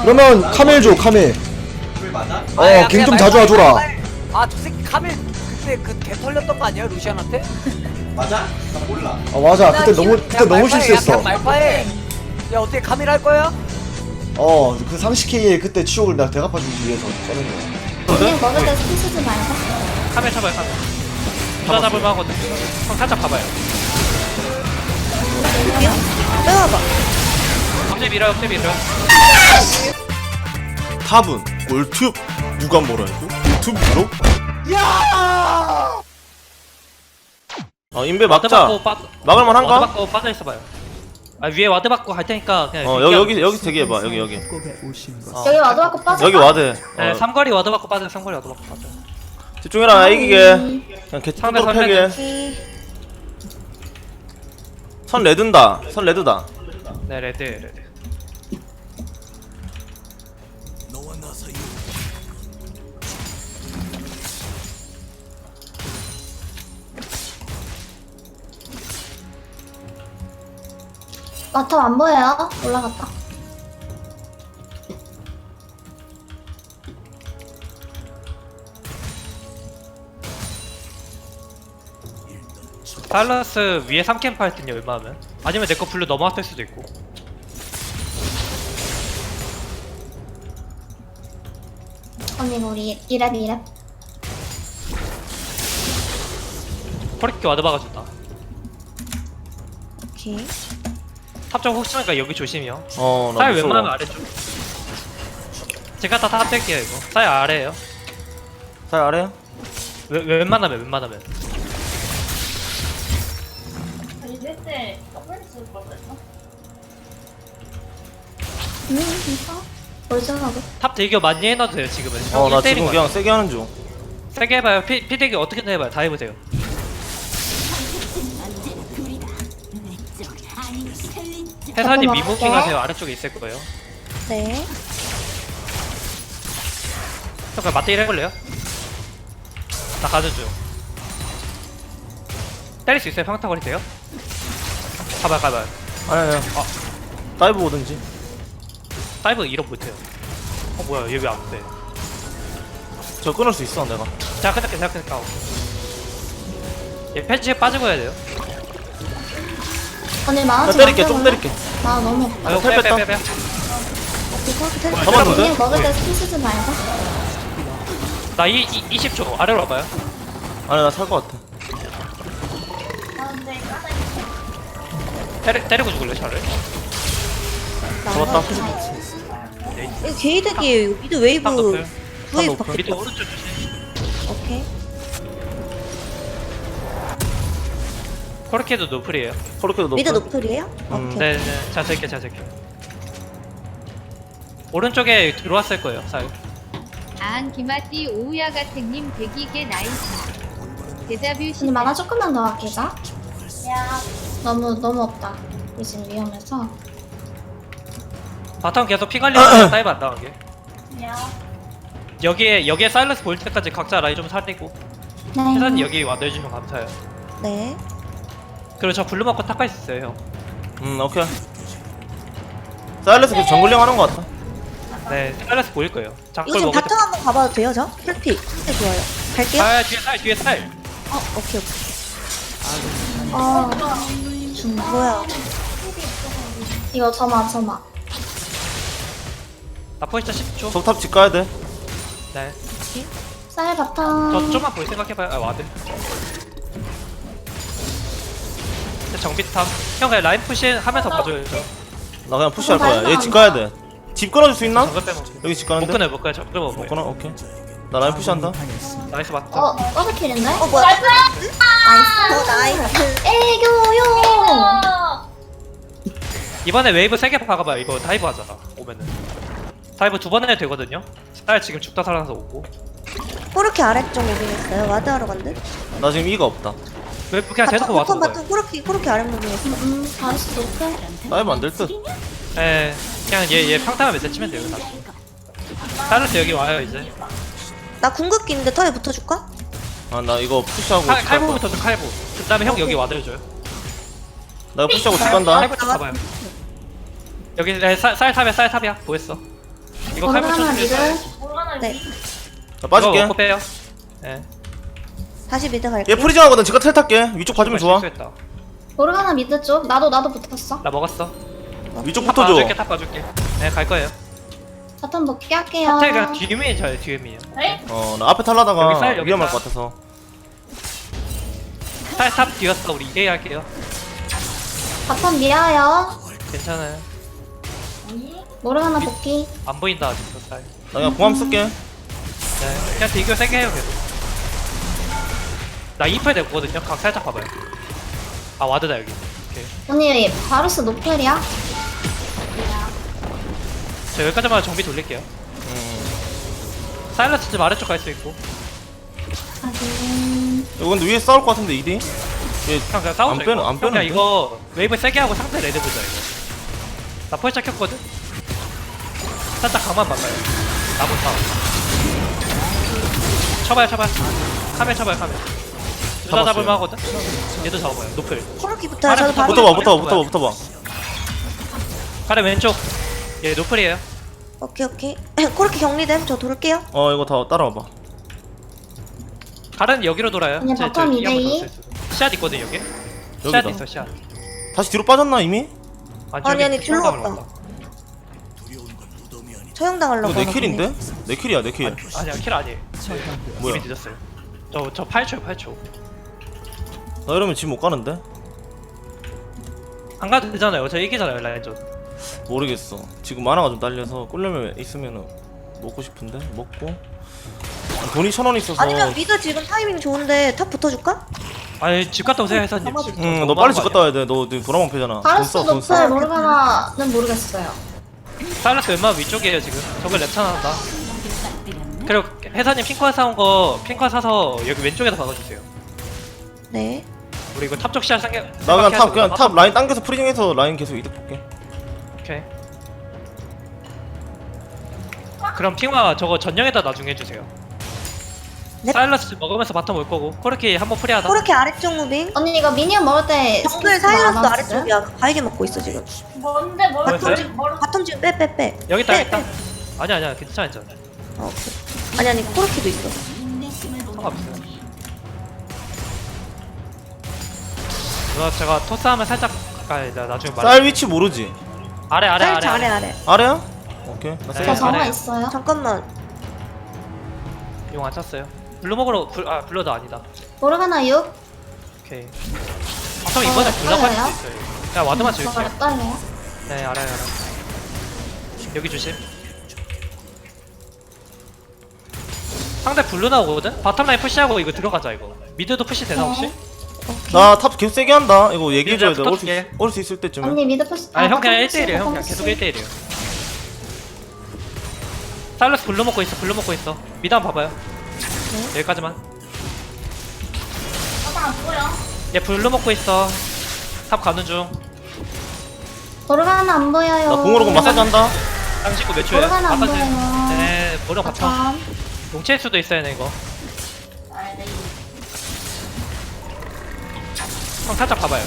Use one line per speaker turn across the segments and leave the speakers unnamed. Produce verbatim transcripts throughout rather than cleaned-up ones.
그러면 카멜 줘 카멜.
맞아?
어 갱 좀 자주 와줘라.
아저 새끼 카멜 그때 그 개 털렸던 거 아니야 루시안한테?
맞아? 나 몰라.
아 맞아 그때 너무 그때 너무 실수했어.
말파해. 야 어떻게 카멜 할 거야?
어 그 삼십 케이의 그때 추억을 내가 대갚아주기 위해서 써낸 거야.
그냥 먹을 때 스킬 쓰지 말고.
카멜 쳐봐요 카멜. 누가 잡을만 하거든. 형 살짝 봐봐요.
빼와봐.
업체 밀어요 업체 밀어요.
탑은 꿀팁 누가 뭐라 해도 유튜브로 야! 어 인베
와드
막자.
받고 빠
막을만
와드
한가?
받고 빠져 있어봐요. 아 위에 와드 받고 갈 테니까 그냥
어 여기 여기 여기 대기해봐 여기 여기
어.
여기 와도 갖고 빠져.
여기 와드.
네,
어,
삼거리 와드 받고 빠져 삼거리 와드 받고 빠져.
집중해라 이기게. 그냥 개
상대
뚜껑
선택.
패게. 선 레드다. 선 레드다.
네 레드 레드.
마탑 안 보여요? 올라갔다.
달라스 위에 삼 캠프 할 텐데 얼마면? 아니면 내 거 블루 넘어왔을 수도 있고.
언니 우리 이랩 이랩.
코리키 와드 박아준다.
오케이.
탑쪽 혹시나니까 여기 조심이요.
어나
사이
무서워.
웬만하면 아래쪽. 제가 다 탑될게요 이거. 사이 아래에요.
살 아래야?
웬- 웬만하면 웬만하면.
음 진짜? 멀쩡하고.
탑 대기업 많이 해놔도 돼요 지금은.
어나
일 대일인
지금
것
그냥 세게 하는 중.
같아요. 세게 해봐요. 피, 피 대기 어떻게든 해봐요. 다 해보세요. 회사님
잠깐만,
미모킹
할게.
하세요. 아래쪽에 있을 거예요.
네.
잠깐 맞대기 해볼래요? 나 가는 중. 때릴 수 있어요? 평타 거리세요? 가봐요 가봐요.
아니 아니. 아 다이브 오든지.
다이브 이런 못해요. 어 뭐야 얘 왜 안 돼?
저 끊을 수 있어 내가.
자 끝낼게 자 끝낼게. 얘 패치에 빠지고 해야 돼요.
언니
나
만화책
때릴게 좀 때릴게.
나 너무 없다.
아이고
텔 뺐다.
빼빼빼빼.
잡았는데?
그냥 먹을 때 스킬 쓰지 말고.
나 이, 이, 이십 초 아래로 와봐요.
아니 나 살 것 같아.
때리, 때리고 죽을래 차를?
잡았다.
이거 게이득이에요. 이거 미드 웨이브
탑 높을.
웨이브
높을.
바뀌.
밑에 오른쪽 조심.
오케이.
코르키도 노플이에요.
코르케도 높아.
미드 노플이에요?
음.
오케이.
네네 자 쓸게 자 쓸게. 오른쪽에 들어왔을 거예요 살.
아한 기마띠 오우야 가택님 백이개 나이스. 데자뷰
언니
시
만화 조금만 더 아끼자. 너무 너무 없다. 이제 위험해서.
바텀 계속 피 관리하면 다이브 안 당하게. 여기에 여기에 사일러스 보일 때까지 각자 라인 좀 살리고.
네.
회사님 여기 와내주시면 감사해요.
네.
그리고 저 블루 먹고 탑가 있어요 형.
음 오케이. 사일러스 계속 정글링 하는 것 같아.
네 사일러스 보일 거예요.
이거
장골
지금
먹을
바텀
때.
한번 가봐도 돼요, 저? 풀피. 네, 좋아요. 갈게요.
아 뒤에 살 뒤에 살.
어, 오케이, 오케이. 아, 중 뭐야? 이거 점화, 점화.
나 포지션 십 초.
적탑 집 가야 돼.
네.
쌀
저
바텀.
좀만 보일 생각해봐요. 아 와드. 정비탑. 형 그냥 라인 푸시 하면서 봐줘요. 저.
나 그냥 푸시할 거야. 얘 집 가야 돼. 집 끊어줄 수 있나?
정글 빼면.
여기 집
못
가는데?
끊어요 못 끊어요. 정글
못
먹어요.
끊어? 오케이. 나 라인 푸시한다.
나이스 맞다.
어, 더블킬인데? 어, 뭐야? 나이스! 나이스! 나이스! 애교용!
이번에 웨이브 세 개 박아봐요. 이거 다이브 하잖아. 오면은. 다이브 두 번 해도 되거든요. 쌀 지금 죽다 살아나서 오고.
코르키 아래쪽 무빙했어요. 와드하러 간대.
나 지금 이가 없다.
웨이브 그냥 대놓고 와서
바텀
먹어요.
바텀 코르키 코르키 아래 무빙했어.
음, 다시 높여.
다이브 안 될 듯.
예. 그냥 얘 얘 평타만 몇 대 치면 돼요. 나. 사일러스 여기 와요 이제.
나 궁극기인데 턴에 붙어줄까?
아 나 이거 푸시하고 집
칼,
갈 거야.
칼보부터 좀 칼보. 그 다음에 형 여기 와드려줘요.
나 이거 푸시하고 집 간다.
칼보 좀 가봐요. 여기 네, 쌀, 쌀탑이야 쌀탑이야. 보였어. 이거 칼부
모르가나
쳐주세요.
미드.
네.
자 빠질게.
이거 먹고 빼요. 예.
다시 미드 갈게.
얘 프리징 하거든. 지가 텔 탈게. 위쪽 봐주면 좋아.
실수했다.
모르가나 미드 쪽. 나도 나도 붙었어.
나 먹었어.
위쪽
탑
붙어줘.
봐줄게 탑 봐줄게. 네 갈 거예요.
바텀 먹게 할게요.
탑텔 그냥 뒤에 저요 뒤에 미요.
어, 나 앞에 탈라다가
여기 쌀, 여기
위험할
쌀.
것 같아서.
탑탑 뒤였어. 우리 이게 할게요.
바텀 미아요.
괜찮아요.
모르가나 복귀.
안 보인다 아직도 쌀.
나 그냥 공함 쓸게.
네. 그냥 비교 세게 해요 계속. 나 이 퍼 됐거든요. 각 살짝 봐봐요. 아 와드다 여기. 오케이.
언니 바루스 노플이야?
저 여기까지만 정비 돌릴게요.
음.
사일러스 좀 아래쪽 갈 수 있고.
하긴.
이거 근데 위에 싸울 것 같은데 이디? 얘
그냥 그냥 싸우자
안 빼는-
이거.
안
그냥
빼는데?
이거 웨이브 세게 하고 상대 레드 보자 이거. 나 펄 시작했거든? 살짝 강만 봐봐요. 나부터. 쳐봐요 쳐봐요. 카메 쳐봐요 카메. 둘 다
잡았어요.
잡을만 하거든? 얘도 잡아봐요. 노플.
코르키부터 저도 바로.
붙어봐 붙어봐 붙어봐 붙어봐.
가래 왼쪽. 얘 노플이에요.
오케이 오케이. 코르키 격리됨. 저 돌게요.
어 이거 다 따라와봐.
가래는 여기로 돌아요.
그냥
제-
바텀
저 이
이대
한번
이.
돌았어요, 지금. 씨앗 있거든 여기. 씨앗
여기다.
있어 씨앗.
다시 뒤로 빠졌나 이미?
아니, 아니,
저기
뒤로
수영장으로
갔다.
간다.
처형당하려고.
이거 내
하나
킬인데? 내 킬이야 내 킬.
아니야 킬 아니에요.
뭐야?
이미 늦었어요. 저 저 팔 초요 팔 초.
나 이러면 지금 못 가는데?
안 가도 되잖아요. 저 이기잖아요 라인전.
모르겠어. 지금 만화가 좀 딸려서 꿀려면 있으면은 먹고 싶은데 먹고. 돈이 천 원 있어서.
아니면 미드 지금 타이밍 좋은데 탑 붙어줄까?
아니 집 갔다 오세요 회사님. 지금
응,
너무
너 빨리 집
많은
갔다
거
와야 돼. 너 지금 도라망 패잖아.
바루스
돈 써, 돈 써.
노플 모르가나는 모르겠어요.
아니야. 사일러스 웬만하면 위쪽이에요 지금. 저걸 랩차 나온다. 그리고 회사님 핑크화 사온 거 핑크화 사서 여기 왼쪽에다 박아주세요.
네.
우리 이거 탑쪽 시야 생겨.
나 그냥 탑 그냥 탑 라인 당겨서 프리징해서 라인 계속 이득 볼게.
오케이. 그럼 핑화 저거 전령에다 나중에 해주세요.
네.
사일러스 먹으면서 바텀 올 거고 코르키 한번 프리하다.
코르키 아래쪽 무빙.
언니 이거 미니언 먹을 때
정글 사이러스도 아래쪽이야. 바이게 먹고 있어 지금.
뭔데 뭘
뭐였어요?
바텀 지금 바텀 지금 빼 빼 빼.
여기 있다
빼,
여기 있다.
빼.
아니야 아니야 괜찮아 괜찮아.
어, 오케이. 아니 아니 코르키도 있어.
상관없어요. 누나 제가 토스하면 살짝 가까이 나 나중에 말해.
쌀 위치 모르지?
아래 아래 아래
살짝 아래 아래.
아래야? 오케이. 나
네.
저
쌀.
정화
아래요.
있어요.
잠깐만.
용안 찼어요. 블루먹으로 불, 아 블러드 아니다.
모르가나 육.
오케이. 바텀 이번에
어,
블러 빠질
떨려요?
수 있어요. 그냥 와드만 지울게요.
저거 떨려요.
네 알아요 알아요. 여기 조심. 상대 블루 나오거든? 바텀라인 푸시하고 이거 들어가자 이거. 미드도 푸시 되나 혹시?
나 탑 계속 세게 한다. 이거 얘기해줘야 돼.
미드랑
올 수
붙어줄게.
올 수 있을 때쯤에.
언니 미드 푸시.
아니 형 그냥
바텀
일 대 일이에요 형 그냥
푸시,
계속
바텀
일 대 일이에요. 사일러스 블루 먹고 있어 블루 먹고 있어. 미드 한번 봐봐요. 여기까지만. 얘 블루 먹고 있어. 탑 가는 중.
모르가나 안 보여요.
나 공으로 그 마사지 한다.
삼십구 몇 초야?
모르가나 안
바꿔주세요.
보여요.
네 모르 바텀.
바텀.
용치일 수도 있어요 네 이거. 형 살짝 봐봐요.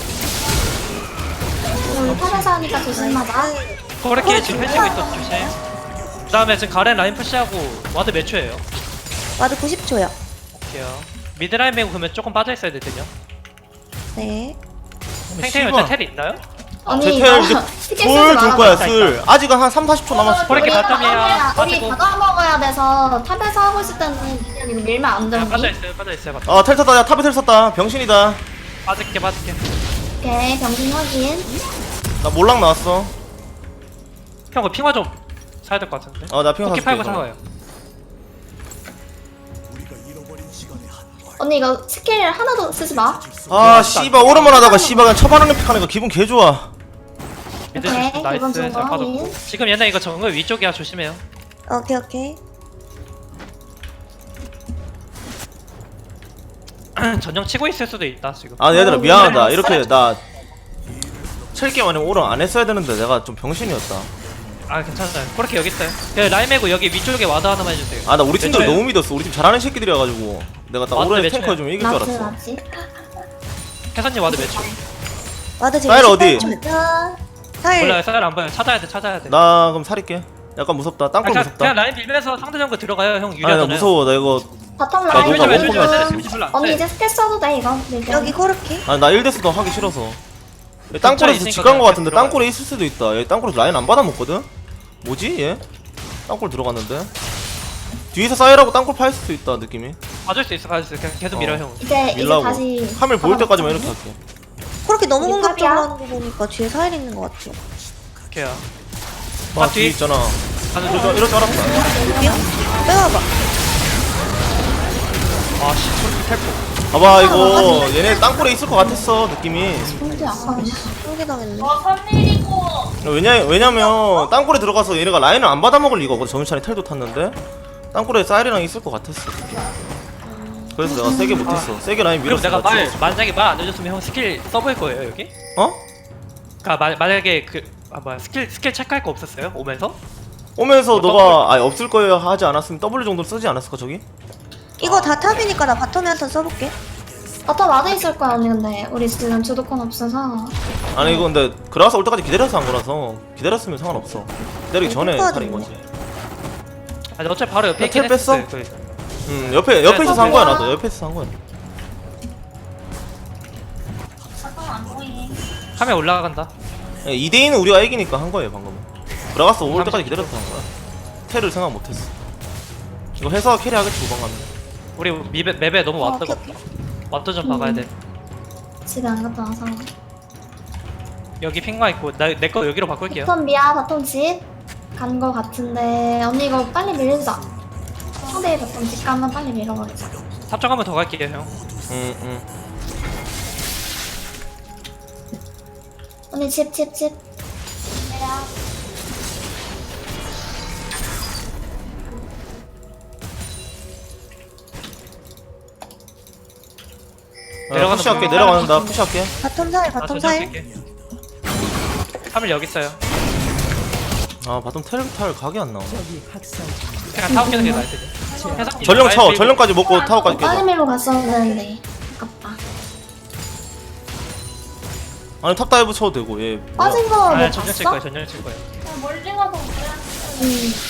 우리 탑에서 하니까 조심하자.
코르키 지금 펼치고 있어 조심. 그 다음에 지금 가렌 라인 푸시하고 와드 몇 초예요?
와드 구십 초요.
오케이요. 미드라인 메고 그러면 조금 빠져있어야 되거든요.
네.
탱탱이
씨발.
어째 텔 있나요?
언니
제텔
이거
이제
티켓
술
쓰지
줄 거야
말아봐.
술. 아직은 한 삼, 사십 초 남았어.
코르키
우리
바텀이야.
우리
빠지고.
받아 먹어야 돼서 탑에서 하고 있을 때는 그냥 이거 밀면 안
그냥
되니?
빠져있어요 빠져있어요 바텀.
어, 텔 탔다. 야, 탑에 텔 탔다. 병신이다.
빠질게 빠질게.
오케이 병신 확인.
나 몰락 나왔어.
형 그 핑화 좀 사야 될 것 같은데?
어, 나 핑화
쿠키 팔고
사줄게,
사와요.
언니 이거 스킬 하나도 쓰지 마.
아, 씨발 오랜만 하다가 씨발 그냥 처반하는 픽하니까 기분 개 좋아.
미드
오케이,
조심 나이스
이번
잘
정도
빠졌고.
확인.
지금 얘네 이거 정글 위쪽이야 조심해요.
오케이 오케이.
전령 치고 있을 수도 있다 지금.
아, 얘들아
어,
미안하다.
그래.
이렇게 나 칠게 아니면 오른 안 했어야 되는데 내가 좀 병신이었다.
아 괜찮아요. 그렇게 여기 있어요. 그 라인 메고 여기 위쪽에 와드 하나만 해주세요.
아, 나 우리 팀들
몇 초예요?
너무 믿었어. 우리 팀 잘하는 새끼들이어가지고 내가 딱
맞네,
오른에
몇
탱커
초야?
해주면 이길 줄
맞지
알았어.
맞지.
해선님 와드 몇 초?
와드 지금
사일 어디?
십팔 초.
자,
사일.
몰라요. 쌀 안 보여. 찾아야 돼 찾아야 돼.
나 그럼 살릴게. 약간 무섭다. 땅굴
그냥,
무섭다.
그냥 라인 빌면서 상대 정글 들어가요 형
아니 나
유리하잖아요.
무서워. 나 이거
바텀
나
라인
녹아,
보는
못 보면
중.
데미지 별로 안
언니
돼.
이제 스킬 써도 돼 이거. 밀게.
여기 코르키.
아니 나 일 대스도 하기 싫어서. 얘 땅굴에서
있으니까
집 간 거
그냥
같은데
들어가요.
땅굴에 있을 수도 있다. 얘 땅굴에서 라인 안 받아먹거든? 뭐지 얘? 땅굴 들어갔는데? 뒤에서 쌓이라고 땅굴 파일 수도 있다 느낌이.
봐줄 수 있어 봐줄 수 있어 그냥 계속 밀어
어.
형.
이제 이제
밀라고.
다시.
카멜 보일
받아먹자,
때까지만
우리.
이렇게 할게.
코르키 너무
우리
공격적으로
탑이야?
하는 거 보니까 뒤에 사일 있는 것 같죠.
오케이야.
아
아,
뒤에
뒤.
있잖아.
가는
이럴
중.
줄, 이럴 줄 알았다.
여기요? 빼와봐.
아씨 소리 탈포.
봐봐 이거 얘네 땅굴에 있을 것 같았어 느낌이.
근데 아까
한개 당했네.
왜냐, 왜냐면 땅굴에 들어가서 얘네가 라인을 안 받아먹을 리가 없거든. 정유찬이 텔도 탔는데 땅굴에 쌀이랑 있을 것 같았어 느낌. 그래서 내가 세게 못했어. 세게 라인
그럼
밀었어.
내가 말
맞지?
만약에 말 안 해줬으면 형 스킬 써볼 거예요 여기?
어?
그니까 마, 만약에 그 아 뭐야 스킬 스킬 체크할 거 없었어요 오면서?
오면서
뭐
너가 아 없을 거예요 하지 않았으면 W 정도 쓰지 않았을까 저기?
이거 다 탑이니까 나 바텀에 한 턴 써볼게.
바텀 와드 있을 거야 언니 근데 우리 지금 주도권 없어서.
아니 이거 근데 그라가스 올 때까지 기다려서 한 거라서 기다렸으면 상관없어. 기다리기 전에
똑같은데.
살인 거지.
아니 어차피 바로 옆에
야,
있긴
텔 뺐어?
했었어요 거의.
음 옆에 옆에
네,
있어서 한 거야 나도 옆에 있어서 한 거야.
카메라 올라간다.
이 대 이는 우리가 이기니까 한 거예요 방금은. 그라가스 올 때까지 기다려서 한 거야. 텔을 생각 못했어. 이거 회사가 캐리하겠지 후반 가면.
우리 맵에, 맵에 너무
어,
왓드가
오케이,
없다. 왓드 좀 박아야 돼.
집에 안 갔다 와서.
여기 핑마 있고 나 내 거 여기로 바꿀게요.
바텀 미야 바텀 집 간 거 같은데 언니 이거 빨리 밀자. 상대 바텀 집 가면 빨리 밀어버리자.
탑정 한번 더 갈게요 형.
음 음.
언니 집 집 집.
내려가는
푸시할게
거.
내려가는다 푸시할게.
바텀 사일,
아,
바텀
전장
사일.
쓸게. 카밀 여기 있어요.
아 바텀 텔 탈 각이 안 나오네.
그냥 타워 깨는 게 나을 텐데. 해석-
전령 쳐
라인
전령까지 먹고 타워까지
빨리
깨자.
밀고 갔어야 되는데. 아깝다.
아니 탑 다이브 쳐도 되고 얘 뭐야.
빠진 거
아,
뭐
전령 칠
봤어?
거예요. 전령 칠 거예요.
음.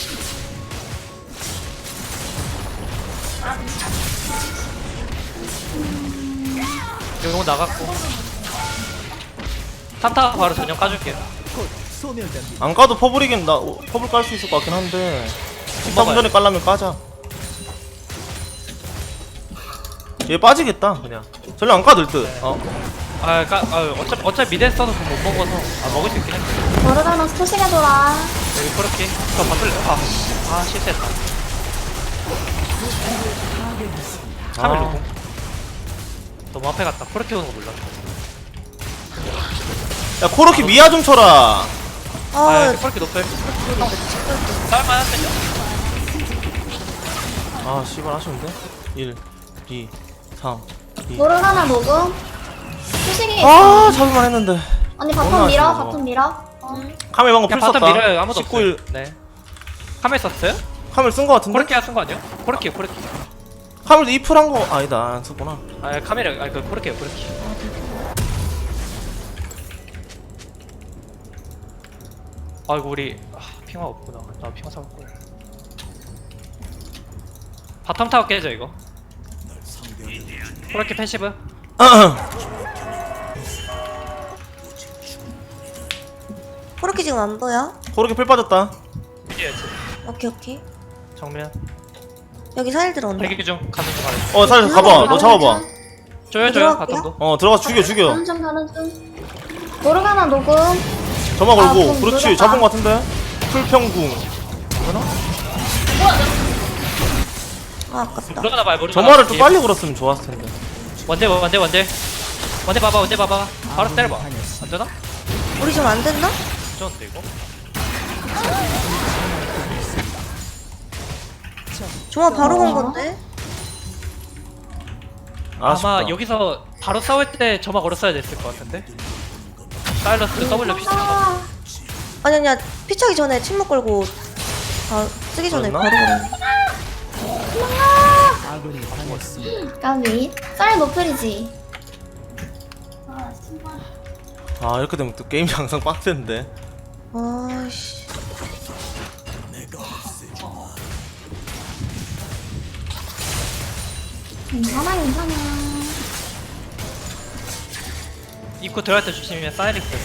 요거 나갔고. 탑타 바로 전령 까줄게요.
안 까도 퍼블이긴 나 어, 퍼블 깔 수 있을 것 같긴 한데 탑
먹어요.
전에 깔라면 까자. 얘 빠지겠다 그냥. 전령 안 까도 될 듯. 어.
아, 까, 아 어차피 어차피 미드 써서 못 먹어서 아 먹을 수 있긴 해.
모르가나 소식해줘라.
여기 그렇게 저 바꿀래. 아, 아 실수했다. 카밀
아.
누구? 너무 앞에 갔다. 그렇게 오는 거 몰라.
야 코르키 미아 좀 쳐라.
아,
아,
그렇게 높여. 싸울만 한데.
아 씨발 아쉬운데. 일, 이, 삼, 이.
모르가나 녹음. 소식이.
아 잡을만 했는데.
언니
너무
바텀 밀어.
아쉬워.
바텀 밀어. 어.
카멜 방금
그냥
풀
바텀
썼다.
밀어요. 아무도
십구 일
없어요. 네. 카밀 썼어요?
카멜 쓴 거 같은데?
코르키야 쓴 거 아니야? 코르키 코르키.
카멜도 이풀 한 거 아니다 안 썼구나.
아 카밀 아그 코르키요 코르키. 아이고 우리 아, 핑화 없구나. 나 핑화 사올 걸. 바텀 타워 깨져 이거. 코르키 패시브.
코르키 지금 안 보여?
코르키 풀 빠졌다.
미디어지.
오케이, 오케이.
정면.
여기 사일 들어온다.
대기 중 가는 중 가는 중.
어 살 가봐. 너 잡아봐.
조여 조여
들어갈게요.
바텀도.
어 들어가서 죽여 죽여.
가는 중 가는 중. 모르가나 녹음.
점화
아,
걸고.
그럼
그렇지
누르다.
잡은 거 같은데. 풀평궁.
아, 아깝다.
들어가나 봐요 모르.
점화를 좀 빨리 걸었으면 좋았을 텐데.
원대 원대 원대. 원대 봐봐 원대 봐봐. 바로 때려봐. 안 되나?
우리 좀 안 됐나?
좋은데 이거.
종아 바로 건 건데?
아쉽다.
아마 여기서 바로 싸울 때 점화 걸었어야 됐을 것 같은데. 사일러스 W 피스
아,
아니, 아니야. 피차기 전에 침묵 걸고 다 쓰기 전에
그랬나?
바로 걸었네.
까비. 쌀 노플이지.
아 이렇게 되면 또 게임이 항상 빡센데.
아이씨.
괜찮아 괜찮아.
입구 들어갈 때 조심히면 사이릭 돼.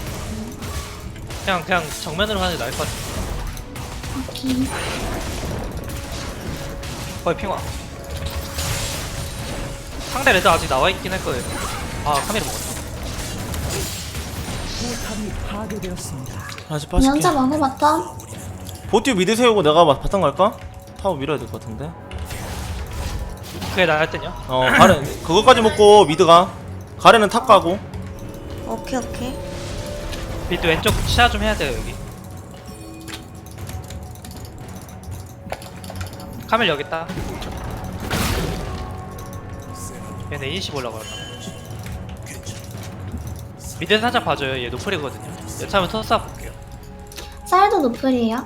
그냥 그냥 정면으로 가는 게 나을 것 같아.
오케이.
거의 핑화. 상대 레드 아직 나와 있긴 할 거예요. 아 카메라 먹었다.
다시 빠질게.
연차 먹어봤다.
보티 미드 세우고 내가 바- 바탕 갈까? 타워 밀어야 될 것 같은데.
그게 나을 때냐?
어 가렌 그거까지 먹고 미드가. 가렌은 탑 가고.
오케이 오케이.
비트 왼쪽 시야 좀 해야 돼요 여기. 카멜 여기 있다. 얘네 이십 올라가나. 미드 살짝 봐줘요. 얘 노플이거든요. 여차하면 토스 볼게요.
쌀도 노플이에요.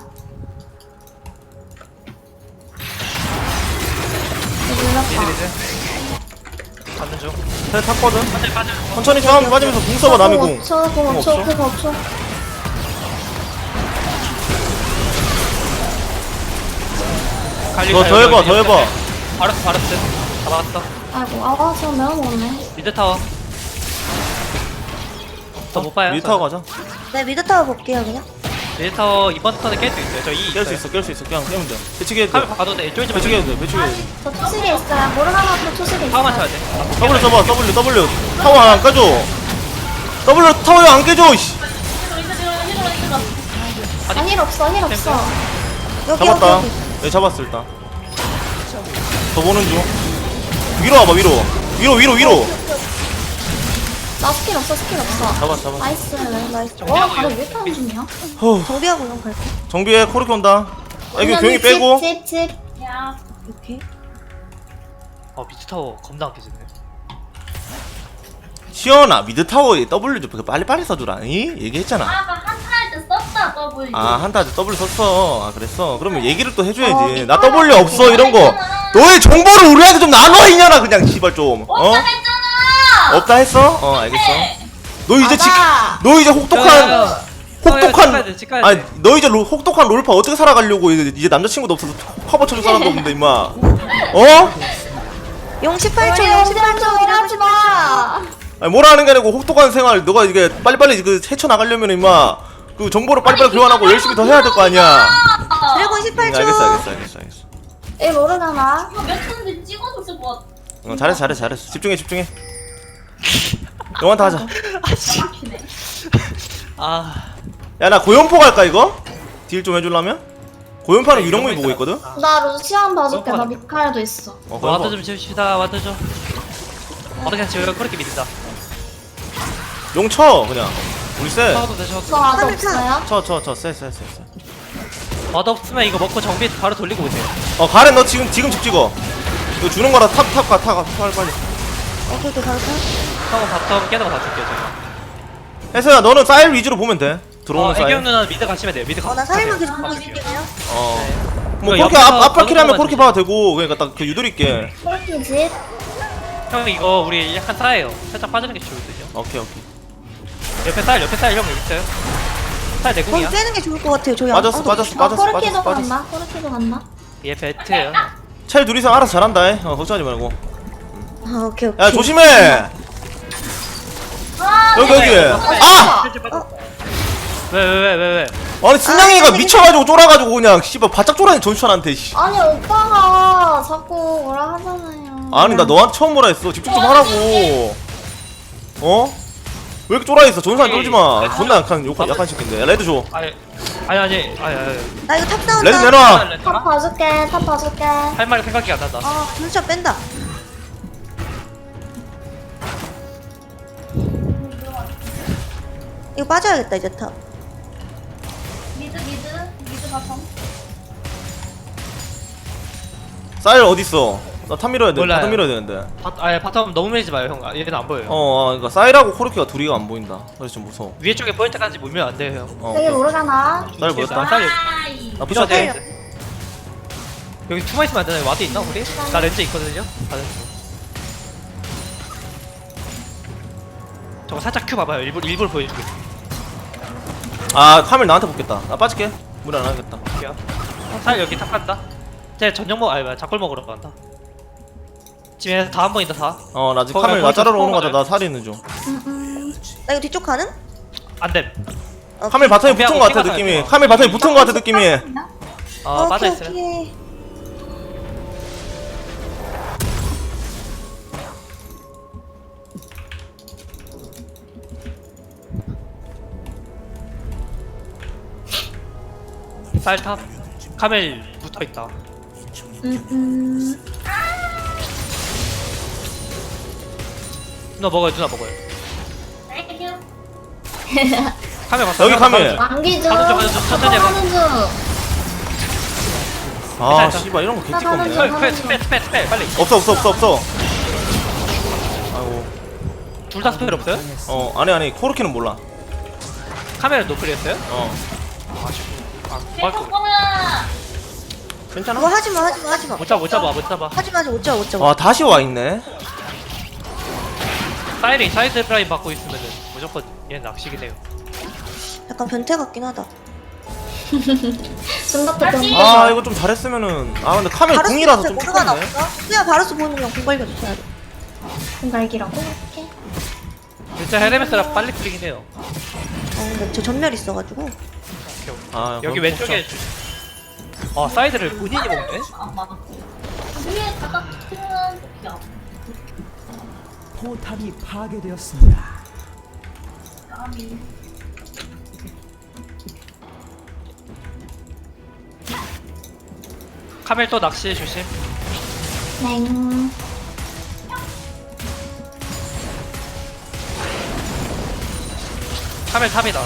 미드
눌렀다.
미드. 잡는 중.
텔 탔거든.
빠져 빠져.
천천히 좀 빠지면서 궁 써봐 남이 궁.
오 초,
궁
오 초,
없어?
그거 오 초.
갈리
더, 더 해봐 더 해봐.
바르스 바르스. 잡았어.
아이고, 아, 저 매워 먹었네.
미드 타워. 더 못 봐요.
미드 타워 가자.
네 미드 타워 볼게요 그냥.
미드 타워 이번 턴에 깰 수 있어요. 저 이.
깰 수 있어 깰 수 있어 그냥 깨면 돼. 배치기 해도
카멜
돼.
봐도 돼. 쫄지
배치기 해도
말고.
돼 배치기 해도 돼.
저 초식에 있어요. 모르가나도 초식에 있어요.
타워만 쳐야 돼.
W 써봐 W W 타워 안 깨줘. W 타워 안 깨줘. 씨.
아, 힐 없어, 힐 없어.
여기
잡았다.
여기 여기.
네 잡았어 일단. 더 보는 중. 위로 와봐 위로. 위로 위로 위로.
나 스킬 없어, 스킬 없어.
잡았어 잡았어.
나이스, 나이스. 와,
정리하고
바로
이거.
왜 타는 중이야?
후.
정비하고 그냥 갈게.
정비해 코르키 온다. 아 이거 조용히
집,
빼고.
집, 집.
오케이.
어 미드 타워 겁나 안 깨지네.
시연아 미드 타워에 W 좀 빨리 빨리 써주라. 이 얘기했잖아.
한타할 때 썼다 더블.
아 한타 W 썼어. 아 그랬어. 그러면 얘기를 또 해줘야지.
어,
나 W 없어 이런 거. 너의 정보를 우리한테 좀 나눠 이년아 그냥 씨발 좀. 어?
했잖아.
없다 했어? 어 알겠어. 너 이제 지,
맞아.
너 이제 혹독한 혹독한
찍가야
아니
돼.
너 이제 로, 혹독한 롤파 어떻게 살아가려고 이제, 이제 남자친구도 없어서 커버 쳐줄 사람도 없는데 임마. 어?
용 십팔 초
우리
용 십팔 초
좀 일하지 마.
아니 뭐라 하는 게 아니고 혹독한 생활 너가 이게 빨리빨리 그 헤쳐나가려면 임마 그 정보를 빨리빨리 교환하고 열심히 더 해야 될 거 아니야.
드래곤 십팔
응,
초.
알겠어 알겠어 알겠어 알겠어.
이 모르가나.
이거 몇 분인지 찍어줬을 것 같아.
어, 잘했어 잘했어 잘했어. 집중해 집중해. 영한테 하자.
아
야 나 고연포 갈까 이거? 딜 좀 해주려면? 고연파는 유령문이 보고 있거든?
나 루시안 봐줄게. 나
어,
미카엘도 있어.
어
와드
고연파
좀 지읍시다. 와드 좀. 와드 그냥 지워요. 그렇게 믿는다.
용쳐 그냥 우리 쎄.
타워도 되셔.
저 아직 없어요?
쳐쳐쳐쎄쎄쎄쎄.
와드 없으면 이거 먹고 정비 바로 돌리고 오세요.
어 가렌 너 지금 지금 집 찍어. 이거 주는 거라 탑 탑 가 타가 빨리 빨리.
오케이 오케이 갈까?
형은 바텀 깨다가 봐줄게요 제가.
혜서야 너는 사일 위주로 보면 돼. 들어오는
어
사일.
애경 누나 미드 가시면 돼요. 미드 가.
어나 사일만 계속 보고
가실게요.
있을게요.
어. 뭐
이거
그렇게
옆에서
앞 앞발 킬하면
거는
그렇게
것만
봐도 되고 그러니까 딱 그 유도리 있게.
폴키 집.
형 이거 우리 약간 싸예요. 살짝 빠지는 게 좋거든요.
오케이 오케이.
옆에 쌀 옆에 쌀 형 여기 있어요. 쌀
거기
내공이야.
빼는 게 좋을 것 같아요. 저희
빠졌어
아무도
빠졌어
아,
빠졌어
코르키도
빠졌어 빠졌어.
갔나? 코르키도 갔나?
얘 배트예요.
첼 둘이서 알아서 잘한다. 해. 어 걱정하지 말고.
아 오케이 오케이.
야 조심해. 여기 여기. 아!
왜 왜 왜 왜 왜?
아니 승냥이가 미쳐가지고 쫄아가지고 그냥 씨발 바짝 쫄아니 전수찬한테 씨.
아니 오빠가 자꾸 뭐라 하잖아요.
아니 나 너한테 처음 뭐라 했어. 집중 좀 하라고. 어? 왜 이렇게 쫄아 있어? 전수찬 쫄지 마. 존나 약한 욕 약한 새끼인데. 야, 레드 줘.
아니 아니 아니 아니 아니.
나 이거 탑 싸운다.
레드 내놔.
탑 봐줄게. 탑 봐줄게.
할 말이 생각이 안 난다.
아 진짜 뺀다. 이거 빠져야겠다 이제 탑.
미드 미드 미드 바텀.
사일 어디 있어? 나 탑 밀어야 돼.
몰라요.
탑 밀어야 되는데.
바, 아니 바텀 너무 밀지 마요 형. 아, 얘는 안 보여요.
어, 어 그러니까 사일하고 코르키가 둘이가 안 보인다. 그래서 좀 무서워.
위에 쪽에 보일 때까지 물면 안 돼요 형.
어.
되게
오케이.
모르가나.
사일 보였다.
쌀 여기.
아이.
나 부셔도
돼.
돼.
여기 투마 있으면 안 되나요? 와드 있나 우리? 나 렌즈 있거든요. 다들. 저거 살짝 큐 봐봐요. 일부러 일부러 보여줄게.
아 카멜 나한테 붙겠다. 나 빠질게. 무리 안 하겠다.
볼게요. 쌀 여기 탑 간다. 쟤 전용 먹 아니 뭐야 작골 먹으러 간다. 지금 다 한 번이다 다.
어 나 지금
거기,
카멜 나
거기서
자르러 오는 거다.
스포
나 살이 있는 중.
음, 음.
나 이거 뒤쪽 가는?
안됨.
어,
카멜 바텀에 붙은
준비하고
거 같아
생각하자,
느낌이.
이거.
카멜 바텀에 붙은 거 같아 느낌이.
어
오케이,
빠져있어요.
오케이.
쌀탑. 카멜 붙어있다.
음, 음.
누나 먹어요 누나 먹어요.
땡큐.
카멜 봤어.
여기 카멜.
왕기 중.
가는 중, 가는 중, 천천히 해봐.
가는 중.
아
괜찮아.
씨발 이런 거
나 가는
개찍겁네.
중.
스펠 스펠 스펠 스펠 빨리.
없어 없어 없어 없어. 아이고.
둘 다 스펠 없어요?
어 아니 아니 코르키는 몰라.
카멜은 노플이었어요?
어
아
계속
뭐
보면
괜찮아.
그거 하지마 하지마 하지마.
못 잡아 못 잡아 못 잡아.
하지마 하지마 못 잡아 못 잡아.
와 다시 와 있네.
사이링 사이드 라인 받고 있으면은 무조건 얘는 낚시긴 해요.
약간 변태 같긴 하다.
중갑도 좀.
아 이거 좀 잘했으면은. 아 근데 카멜
바루스
궁이라서 좀
모르가
착한데.
나왔어? 그냥 바루스 보는 건 공발견 줘야 돼.
공갈기라고? 이렇게.
진짜 헤르메스라 빨리 풀리긴 해요.
어 근데 저 전멸 있어가지고.
아
여기
그럼
왼쪽에 어 사이드를 본인이 먹네?
안 맞아. 위에 갖다 치면 좋죠.
포탑이 파괴되었습니다.
아미.
카멜 또 낚시 조심.
냉.
카멜 탑이다.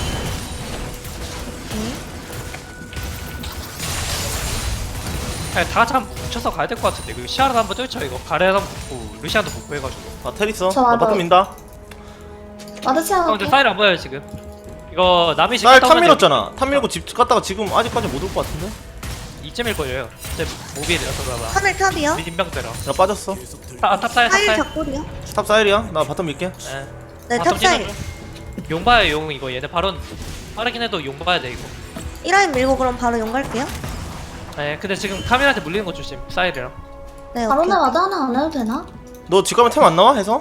아니, 다 같이 한번 뭉쳐서 가야 될 것 같은데. 그 시아르도 한번 뚫죠 이거. 가레도 한번 붙고 루시안도 붙고 해가지고.
아 테리스.
저
나
와도-
바텀 민다.
와드치
형
하고.
근데 사이를 안 보여요 지금. 이거 남이
날 탑 밀었잖아. 탑 밀고 집 갔다가 지금 아직까지 못 올 것 같은데.
이점일 거예요. 이제 모빌이라서 그러나.
카멜 탑이야?
민병대라.
나 빠졌어.
아, 탑 사이 탑
사일
사이.
작골이야?
탑 사일이야. 나 바텀 밀게.
예.
네
바텀
탑사일.
찢어줘. 용 봐요 용 이거 얘네 바론 빠르긴 해도 용 봐야 돼 이거.
일 라인 밀고 그럼 바로 용 갈게요.
예 근데 지금 카메라한테 물리는 거 조심 사이드랑.
네
바로
오케이.
나와도 하나 안 해도 되나?
너 집 가면 템 안 나와 해서?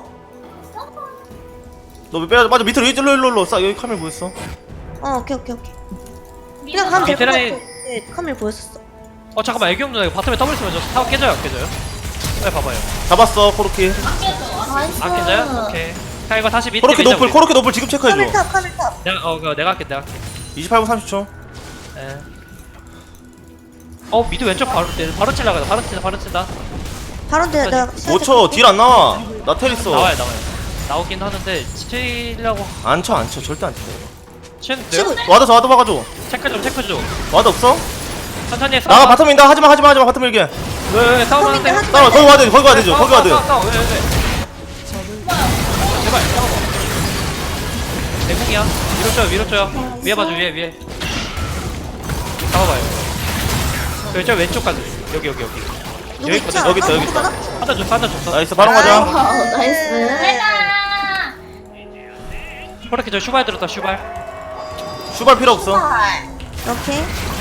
너 빼야 맞아 밑으로 일로 일로 일로 싸 여기 카멜 보였어.
어 오케이 오케이 오케이. 그냥 가면 될것 같아.
밑에라인-
네 카멜 보였었어.
어 잠깐만 애경 누나 이거 바텀에 더블 쓰면 저 타워 깨져요 안 깨져요? 빨리 봐봐요.
잡았어 코르키.
나이스.
안 깨져요? 오케이. 자 이거 다시 밑에
코르키
밀자,
노플
우리.
코르키 노플 지금
카멜
체크해줘.
탑 카멜 탑.
내가 어 그거 내가 할게 내가 할게.
이십팔 분 삼십 초.
예. 어 미드 왼쪽 바로 바로 칠라 가자 바로 친다 바로 친다.
바로 내 내가
오 초 딜 안 나와. 나 테리스.
나와요 나와요. 나오긴 하는데 치려고
안 쳐 안 쳐 절대 안 쳐.
치는데요?
치고
와드 와드 봐가줘.
체크 좀 체크 좀.
와드 없어?
천천히 해.
나가 바텀 민다. 하지마 하지마 하지마 바텀 밀게.
왜왜 싸우면 안 돼?
하지
따라 거기 와드 거기 와드 줘. 거기 와드.
싸워, 싸워, 싸워. 왜, 왜, 왜. 제발 싸워봐. 대공이야. 위로 줘요 위로 줘요. 위에 봐줘 위에 위에. 잡아봐요. 저, 저 왼쪽 가자. 여기 여기 여기.
누구
여기
있지
있거든.
않아?
여기 있다, 여기
누구
있다.
있나?
하나 줬어 하나 줬어.
나이스 바로 가자.
아, 나이스.
내가.
그렇게 저 슈발 들었다 슈발.
슈발 필요 없어.
오케이.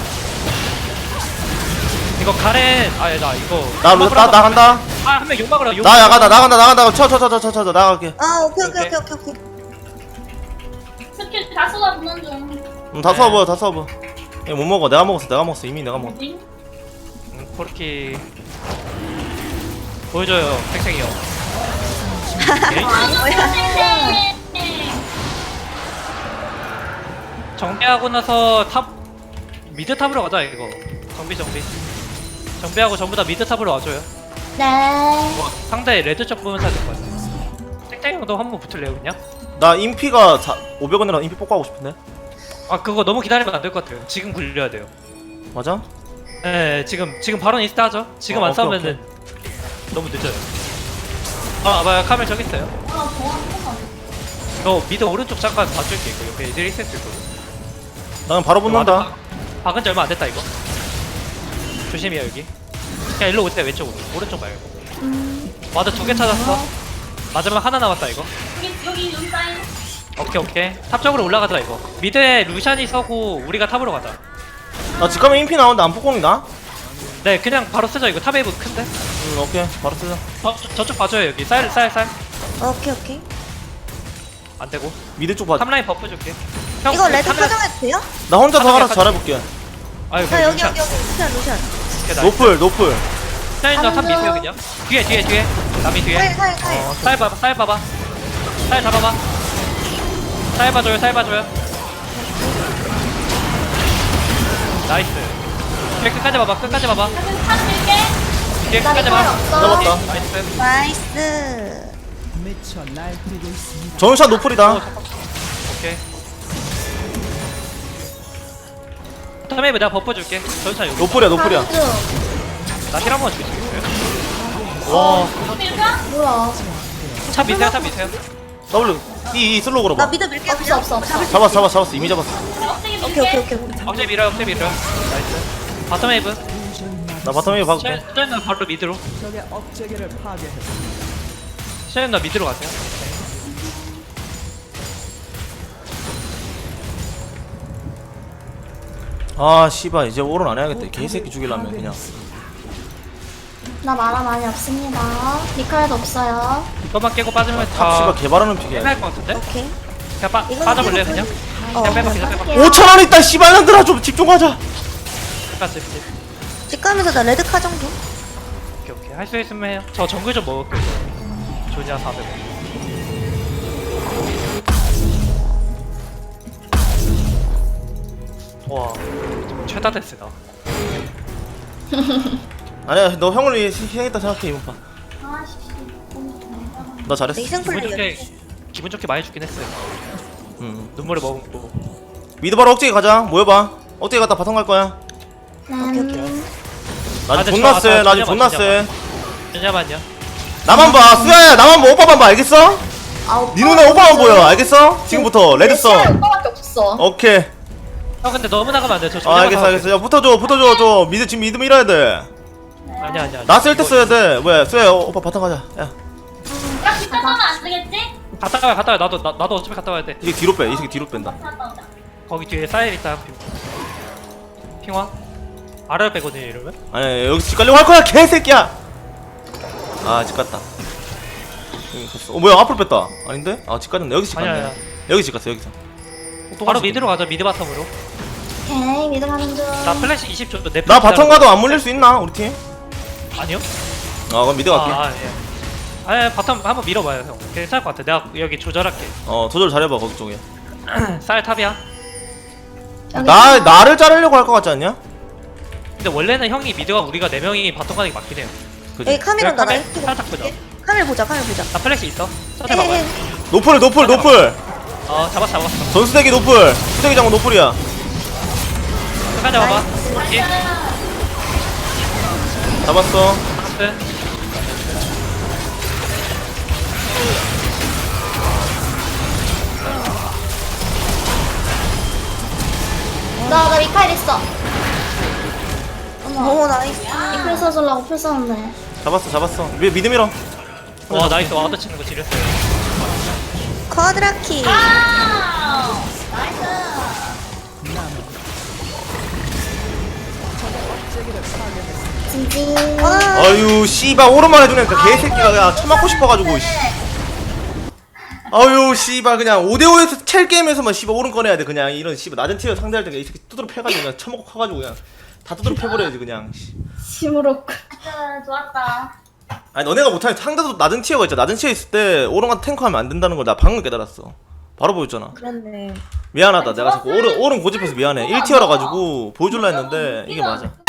이거 가렌 아니 나 이거.
나나 나 간다.
아한 명 욕박으라 욕.
나 나간다 나간다 나간다. 쳐 쳐 쳐 쳐 쳐 쳐 나갈게.
아 오케이 오케이
오케이.
오케이 오케이 오케이.
스킬 다 쏟아붓는 중.
음, 다 써봐 다 써봐. 이거 못 먹어. 내가 먹었어 내가 먹었어 이미 내가 먹었어.
뭐지?
음, 코르키 보여줘요 팽팽이 형. 오케이.
네.
정비하고 나서 탑 미드 탑으로 가자 이거. 정비 정비. 정비하고 전부 다 미드 탑으로 와줘요.
네.
뭐, 상대 레드 쪽 보면서 해야 될 것 같아. 땡땡이 형도 한 번 붙을래요 그냥?
나 인피가 오백 원이라 인피 뽑고 하고 싶은데.
아 그거 너무 기다리면 안 될 것 같아요. 지금 굴려야 돼요.
맞아?
네 지금 지금 바로 인스타 하죠. 지금
어,
안
오케이,
싸우면은 너무 늦어요. 아 봐요 카멜 저기 있어요.
아, 좋아.
너 미드 오른쪽 잠깐 봐줄게 이거 옆에 애들이 있을 수 있거든.
나는 바로 붙는다.
박은 지 얼마 안 됐다 이거. 조심해요 여기. 그냥 일로 오세요 왼쪽으로. 오른쪽 말고. 와드 두 개 찾았어. 마지막 하나 남았다 이거.
여기 여기 여기 사인.
오케이 오케이. 탑 쪽으로 올라가자 이거. 미드에 루샨이 서고 우리가 탑으로 가자.
나 집 가면 인피 나오는데 안 뽑공이다.
네 그냥 바로 쓰자 이거. 탑 웨이브 큰데?
음 오케이 바로 쓰자.
어, 저, 저쪽 봐줘요 여기 쌀 쌀 쌀
오케이 오케이.
안되고
미드 쪽 봐.
탑라인 버프 줄게 형,
이거 레드
탑라인-
사정해도 돼요?
나 혼자 더
하나
알아서
약간-
잘해볼게.
아유
자 여기 여기 여기 루시안 루시안.
노플 노플.
샤인 너탑
가는
미세요
중.
그냥 뒤에 뒤에 뒤에 남이 뒤에
사일 사일 사일.
어, 쌀 봐봐 쌀 봐봐 쌀 잡아봐 쌀 봐줘요 쌀 봐줘요 나이스 뒤에 끝까지 봐봐 끝까지 봐봐
탑 밀게.
뒤에
나
끝까지
리콜
봐
없어.
잡았다.
나이스
나이스.
미쳐 날뛰고 있습니다.
전샷 노플이다.
오케이 텀에이브 내가 버프 줄게 전차 여기
노플이야 노플이야.
가는 중.
나힐 한번 줄수 있어요? 와,
탑 밀까?
뭐야?
차 미세요, 차 미세요.
W E E 슬로우
나
걸어봐.
미드 밀게
없어
그냥.
없어 없어.
잡았어 잡았어 잡았어 이미 잡았어.
억제기 밀게.
오케이 오케이 오케이.
억제 밀어요, 억제 밀어요. 나이스. 바텀 웨이브.
나 바텀 웨이브 박을게.
샤인은 바로 미드로.
적의 업체계를 파괴했습니다.
샤인 나 미드로 가세요.
아 씨발 이제 오른 안 해야겠다. 개새끼 죽이려면 그냥.
나 마라 많이 없습니다. 리카에도 없어요.
이것만 깨고 빠지면
탑
다
씨발 개발하는 픽이야.
끝날 것 같은데?
오케이.
그냥 빠,
이건
빠져볼래요,
이거
그냥?
어,
그냥 빼봐, 그냥 빼봐.
오천 원 있다 씨발 년들아 좀 집중하자.
끝까지, 끝까지.
집 가면서 나 레드 카 정도.
오케이, 오케이. 할 수 있으면 해요. 저 정글 좀 먹을게요. 조냐 사백 원. 와, 최다 데스다.
아니야 너 형을 위해 희생했다 생각해 이번 판.
아씨.
나 잘했어.
내
기분
희생플레이야.
좋게, 기분 좋게 많이 죽긴 했어요.
응.
눈물을 머금고.
미드 바로 억제기 가자. 모여봐. 억제기 갔다 바텀 갈 거야.
음.
나
아,
지금
근데
존나
저-
세.
저-
나 지금 존나
전혀만,
세.
잠깐만요.
나만 봐. 수야야 나만 봐. 오빠만 봐. 알겠어?
아, 오빠.
네 눈에 오빠만 보여. 알겠어? 지금부터 레드썬.
오빠밖에 없어.
오케이.
형 근데 너무 나가면 안 돼. 저
아,
조냐만
알겠어
사올게요.
알겠어. 야 붙어줘 붙어줘. 저 미드 지금 미드 밀어야 돼.
아니야 아니야.
나 쓸 때
이거-
써야 돼. 뭐야 수야 오빠 바텀 가자. 야
딱 뒷담화면 안 되겠지?
갔다 와 갔다 와. 나도 나, 나도 어차피 갔다 와야 돼.
이게 뒤로 빼. 이 새끼 뒤로 뺀다.
갔다 오자.
거기 뒤에 사일 있다. 핑- 핑화. 아래를 빼거든요 이러면.
아니 여기 집 가려고 할 거야 개새끼야. 아 집 갔다. 여기 갔어. 어 뭐야 앞으로 뺐다. 아닌데? 아 집 갔네. 여기 집
아니야,
갔네.
아니야.
여기 집 갔어 여기서. 또
바로
갔어.
미드로 가자. 미드 바텀으로.
오케이 미드 가는 중.
나 플래시 이십 초. 내
나
플래시
바텀 가도 안 물릴 수 있나 우리 팀?
아니요.
아 그럼 미드 갈게.
아 예. 아 바텀 한번 밀어봐요 형. 괜찮을 것 같아. 내가 여기 조절할게.
어 조절 잘해봐 거기 쪽에.
쌀 탑이야.
여기
나
있어.
나를 자르려고 할 것 같지 않냐?
근데 원래는 형이 미드가 우리가 네 명이 바텀 가는 게 맞긴 해요.
그지?
여기 카메라 나
카메
라이트.
살짝 보자.
카메라 보자 카메라 보자.
나 플래시 있어. 천천히 봐봐요.
헤헤.
노플 노플 노플.
어 잡았어 잡았어.
전수대기 노플. 수대기 장군 노플이야.
끝까지 봐봐. 예.
잡았어.
끝.
나나 리카일 있어. 어머.
오 나이스.
리카일 써주려고 풀 썼는데.
잡았어 잡았어. 미, 미드 밀어.
와 나이스 와드 치는 거 지렸어요.
쿼드라키.
아! 나이스.
진지.
와.
아유 씨발 오른만 해주니까 개새끼가 그냥 처맞고 싶어가지고 씨. 아유 씨발 그냥 오대오에서 첼 게임에서만 씨발 오른 꺼내야 돼 그냥 이런 씨발 낮은 티어 상대할 때 이 새끼 두드러 패가지고 그냥 처먹고 커가지고 그냥 다 두드러 패버려야지 그냥 씨.
심으로.
아, 좋았다.
아니 너네가 못하니 상대도 낮은 티어가 있잖아. 낮은 티어 있을 때 오른 같은 탱커 하면 안 된다는 걸 나 방금 깨달았어. 바로 보였잖아.
그렇네.
미안하다 내가 자꾸 오른 오른 고집해서 미안해. 일 티어라 가지고 보여줄라 했는데 이게 맞아.